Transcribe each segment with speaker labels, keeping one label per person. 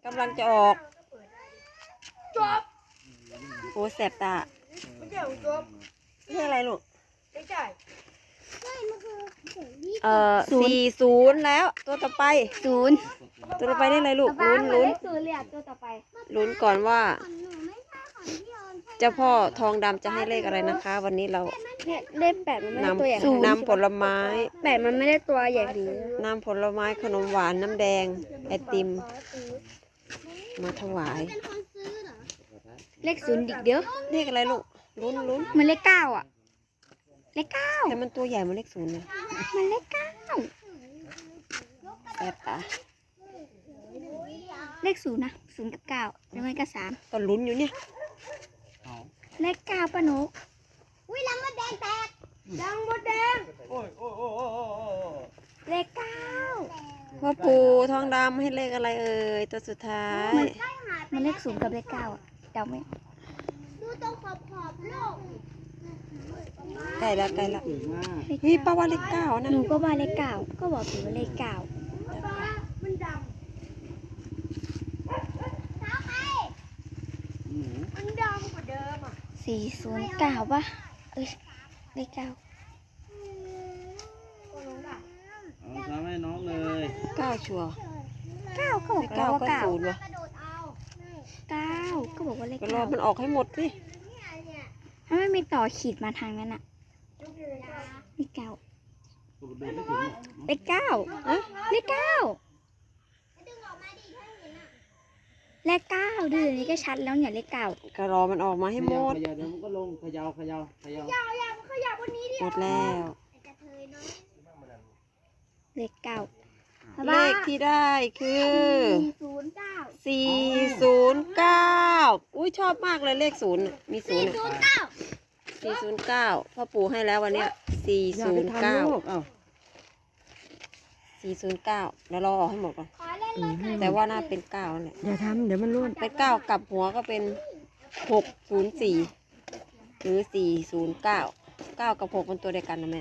Speaker 1: กำลังจะออก
Speaker 2: จบ
Speaker 1: โอ้แสบตา
Speaker 2: ไม่ใช่จบ
Speaker 1: เรื่องอะไรลูก
Speaker 2: ไม่ใช่
Speaker 1: 40แล้วตัวต่อไป
Speaker 3: 0
Speaker 1: ตัวต่อไปได้เลยลูกลุ้น
Speaker 3: 0เหลือตัวต่อไป
Speaker 1: ลุ้นก่อนว่าเจ้าพ่อทองดำจะให้เลขอะไรนะคะ วันนี้เรา
Speaker 3: เลข8มันไม่ได้ตัวใหญ่
Speaker 1: นำผลไม้
Speaker 3: 8มันไม่ได้ตัวใหญ่ขนาดนี้
Speaker 1: นำผลไม้ขนมหวานน้ำแดงไอติมมาถวาย
Speaker 3: เลข0อีกเดียว
Speaker 1: เลขอะไรลูกลุ้น
Speaker 3: มันเลข9อ่ะเลข9
Speaker 1: แต่มันตัวใหญ่มันเลข0เลย
Speaker 3: มันเลข9
Speaker 1: แสบตา
Speaker 3: เลข0นะ0กับ9หรือไม่ก็3
Speaker 1: ก็ลุ้นอยู่เนี่ย
Speaker 3: เลข9ป้านก
Speaker 2: ดังมดแดง
Speaker 3: เลข9
Speaker 1: พ่อปู่ทองดำให้เลขอะไรเอ่ยตัวสุดท้าย
Speaker 3: มันเลข0กับเลข9อ่ะเดาไม่
Speaker 2: ดูตรงขอบโลก
Speaker 1: ใกล้แล้วเฮ้ยป้าว่าเลข9นะ
Speaker 3: หนูก็ว่าเลข9ก็บอกอยู่ว่าเลข9
Speaker 2: มันดำมันดำกว่าเดิมอ่ะ
Speaker 3: 409ป่ะเอ้ยเลข9
Speaker 4: เอาทำให้น้องเลย
Speaker 1: 9ชัวร์
Speaker 3: 9ก็บอก
Speaker 1: เก้า
Speaker 3: แล้วว่า
Speaker 1: ก็0วะ
Speaker 3: 9ก็บอกว่าเลข
Speaker 1: ก็รอมันออกให้หมดสิ
Speaker 3: ถ้าไม่มีต่อขีดมาทางนั้นอ่ะเลข9เลข9
Speaker 1: อะ
Speaker 3: เลข9เลข9ดูอย่างนี้ก็ชัดแล้วเนี่ยเลข9
Speaker 1: ก็รอมันออกมาให้หมด
Speaker 4: เขย่าเดี๋ยวมันก็ลงเขย่า
Speaker 2: ขยับวันนี้ดิ
Speaker 1: หมดแล้ว
Speaker 3: เลข9
Speaker 1: เลขที่ได้คือ
Speaker 3: 409
Speaker 1: 409อุ้ยชอบมากเลยเลข0น่ะมี0อ่ะ409พ่อปู่ให้แล้ววันเนี้ย409แล้วรอออกให้หมดก่อนแต่ว่าน่าเป็น9นั่นแหละ
Speaker 5: อย่าทำเดี๋ยวมันร่วน
Speaker 1: เป็น9กลับหัวก็เป็น604หรือ409 9กับ6เป็นตัวเดียวกันนะแม่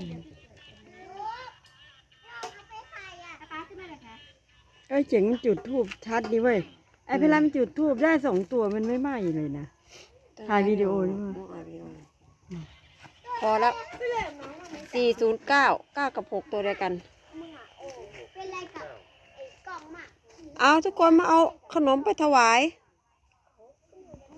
Speaker 5: เอ้ยเจ๋งมันจุดทูบชัดดีเว้ยไอ้เพลามันจุดทูบได้2 ตัวมันไม่ไหม้เลยนะ ถ่ายวิดีโอหรือเปล่า
Speaker 1: ถ่ายวิดีโอพอแล้ว409 9กับ6ตัวเดียวกัน
Speaker 2: เป็นไรกับไอ้กล่องหมาก
Speaker 1: เอาทุกคนมาเอาขนมไปถวาย